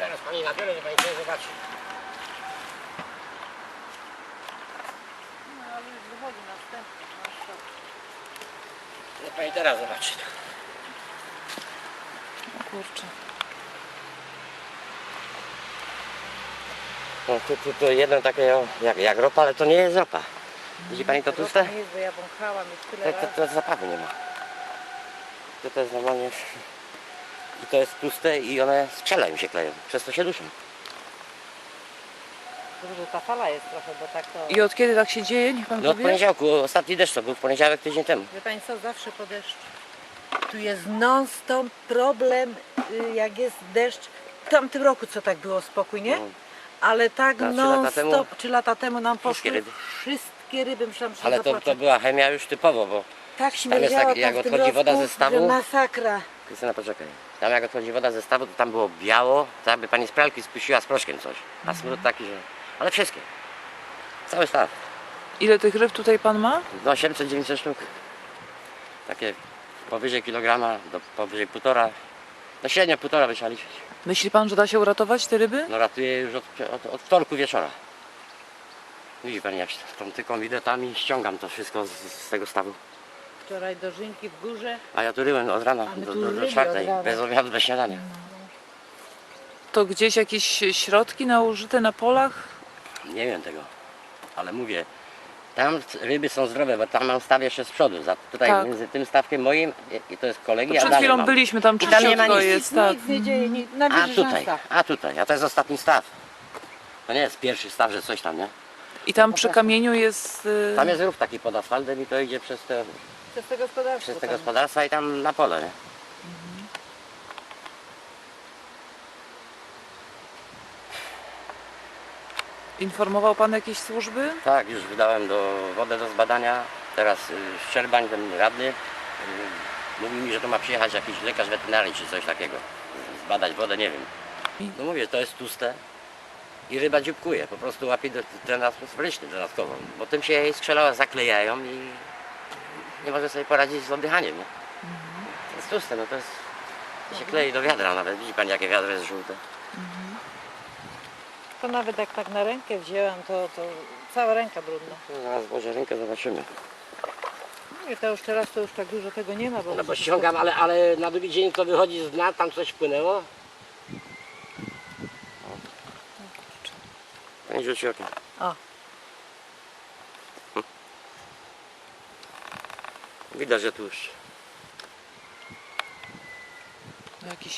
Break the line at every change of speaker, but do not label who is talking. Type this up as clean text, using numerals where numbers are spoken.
Zaraz pani nabiorę, że pani sobie zobaczy.
No ale już wychodzi następny.
Niech pani teraz zobaczy.
O kurczę.
No tu jedno takie jak ropa, ale to nie jest ropa. Widzi pani to tłuste?
To nie jest, bo ja wąchałam już tyle
To zapachu nie ma. To jest normalnie... I to jest tłuste i one strzelają się kleją. Przez to się duszą.
Dobrze, ta fala jest trochę, bo tak to...
I od kiedy tak się dzieje? Niech pan
No od
powie?
poniedziałku, ostatni deszcz to był w poniedziałek tydzień temu.
Wie pani co, zawsze po deszczu. Tu jest non-stop problem, jak jest deszcz. W tamtym roku co tak było spokój, nie?
No.
Ale tak
A 3 lata temu?
non-stop, 3 lata temu nam
Wszystkie
poszły
ryby.
wszystkie ryby. Myślałam, że
Ale
się
to
zapłaczę.
była chemia już typowo, bo
Tak
jest
śmierdziało
tak, jak
tam w tym
odchodzi woda
roku,
ze stawu.
że masakra.
Krystyna, poczekaj. Tam jak odchodzi woda ze stawu, to tam było biało, tak jakby pani z pralki spuściła z proszkiem coś. A smród taki, że... Ale wszystkie. Cały staw.
Ile tych ryb tutaj pan ma?
No 800-900 sztuk. Takie powyżej kilograma, do powyżej 1,5. No średnio 1,5 by trzeba liczyć.
Myśli pan, że da się uratować te ryby?
No ratuję już od wtorku wieczora. Widzi pani, jak się tą tyką widetami ściągam to wszystko z tego stawu.
Wczoraj dożynki w górze.
A ja tu ryłem od rana
A my
do
tu ryli
4,
od rana.
bez obiadu, bez śniadania.
To gdzieś jakieś środki nałożyte na polach?
Nie wiem tego, ale mówię, tam ryby są zdrowe, bo tam mam staw jeszcze z przodu. Tutaj
Tak.
między tym stawkiem moim i to jest kolegi,
To
a
przed
dalej
chwilą
mam.
byliśmy, tam
I tam nie ma
czyściutko
nic.
jest, tak.
Nic nie dzieje, na
A to jest ostatni staw. To nie jest pierwszy staw, że coś tam, nie?
I tam przy kamieniu jest...
Tam jest rów taki pod asfaltem i to idzie przez te
Przez te
gospodarstwa i tam na pole, nie?
Informował pan jakieś służby?
Tak, już wydałem wodę do zbadania. Teraz Szczerbań, ten radny, mówi mi, że to ma przyjechać jakiś lekarz weterynarii czy coś takiego. Zbadać wodę, nie wiem. No mówię, to jest tłuste i ryba dzióbkuje, po prostu łapie ten atmosferyczny dodatkowo, bo tym się jej skrzela zaklejają i nie może sobie poradzić z oddychaniem, nie? To jest tłuste, no to się klei do wiadra nawet. Widzi pani, jakie wiadro jest żółte?
To nawet jak tak na rękę wzięłam, to cała ręka brudna.
No, zaraz włożę rękę, zobaczymy.
Mówię, to już teraz to już tak dużo tego nie ma, bo...
No bo ściągam, ale na drugi dzień to wychodzi z dna, tam coś wpłynęło. Pani rzuci okiem.
O.
Widać, że tu już
Jakiś